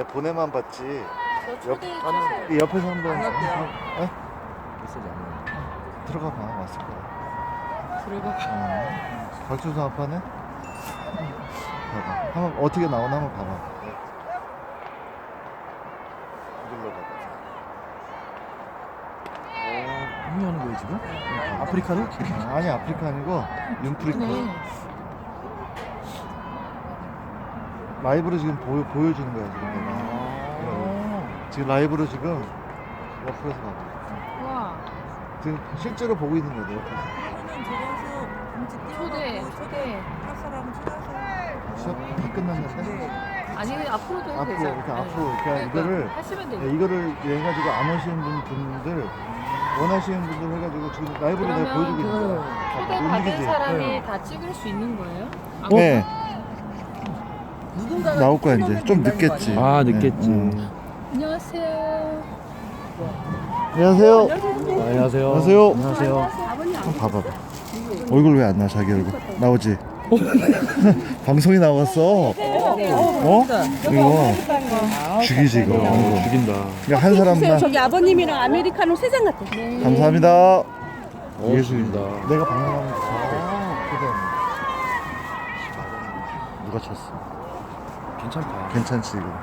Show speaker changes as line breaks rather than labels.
보내만 봤지.
저 초대해
옆-
주세요.
이 옆에서 한번
안 왔대요.
에?
메시지 안 와.
들어가 봐. 왔을 거야.
들어가.
박주성 아빠네? 봐봐. 한번 어떻게 나오나 한번 봐봐. 눌러봐.
공유하는 거예요 지금? 아프리카를?
아니 아프리카 아니고 윤프리카. 라이브로 지금 보여주는 거야 지금 내가. 지금 라이브로 지금 옆에서 봐봐.
와.
지금 실제로 보고 있는 거야 내 옆에서.
초대.
할 사람은 초대하세요.
수업 다 끝났는데?
아니 앞으로도 해도
앞으로
되잖아.
이렇게 앞으로 그러니까 이거를
하시면 돼요.
이거를 해가지고 안 오시는 분들 원하시는 분들 해가지고 지금 라이브로 내가 보여주고 있는 거야.
초대
못
받은
이기지?
사람이 다 찍을 수 있는 거예요?
네.
누군가가
나올 거야 이제 좀
된다는 거
늦겠지.
아니에요?
아, 늦겠지.
안녕하세요.
안녕하세요.
안녕하세요.
안녕하세요.
안녕하세요.
한번 봐봐봐. 얼굴 왜 안 나? 자기 얼굴 나오지? 방송이 나왔어. 어? 이거 죽이지 이거.
죽인다.
그냥 한 사람만.
저기 아버님이랑 아메리카노 3잔 같아.
감사합니다.
죽인다.
내가 방송하면 누가 쳤어?
괜찮다.
괜찮지 이거.